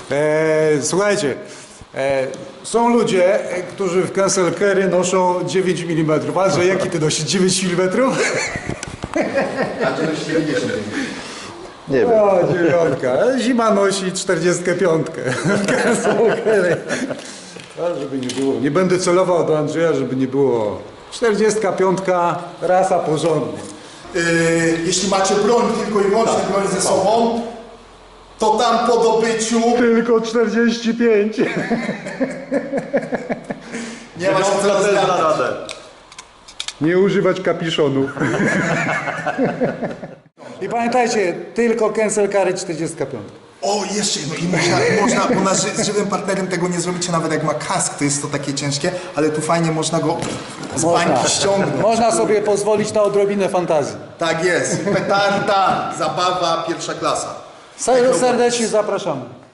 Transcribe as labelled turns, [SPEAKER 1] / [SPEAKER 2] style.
[SPEAKER 1] Słuchajcie, są ludzie, którzy w cancel carry noszą 9 mm. Walże, jaki ty nosisz? 9 mm?
[SPEAKER 2] A ty nosisz 90.
[SPEAKER 3] Nie wiem.
[SPEAKER 1] O, dziewiątka. Zima nosi 45. Cancel carry. A żeby nie było. Nie będę celował do Andrzeja, żeby nie było. 45. Rasa porządna.
[SPEAKER 2] Jeśli macie broń, tylko i wyłącznie broń ze sobą, to tam po dobyciu
[SPEAKER 1] Tylko 45.
[SPEAKER 2] nie ma się co rozgadać.
[SPEAKER 1] Nie używać kapiszonów. I pamiętajcie, tylko cancel carry 45.
[SPEAKER 2] O, jeszcze jedno. I można bo z żywym partnerem tego nie zrobicie, nawet jak ma kask, to jest to takie ciężkie, ale tu fajnie można go z bańki ściągnąć.
[SPEAKER 1] Można sobie pozwolić na odrobinę fantazji.
[SPEAKER 2] Tak jest. Petarda, zabawa, pierwsza klasa.
[SPEAKER 1] Serdecznie zapraszamy.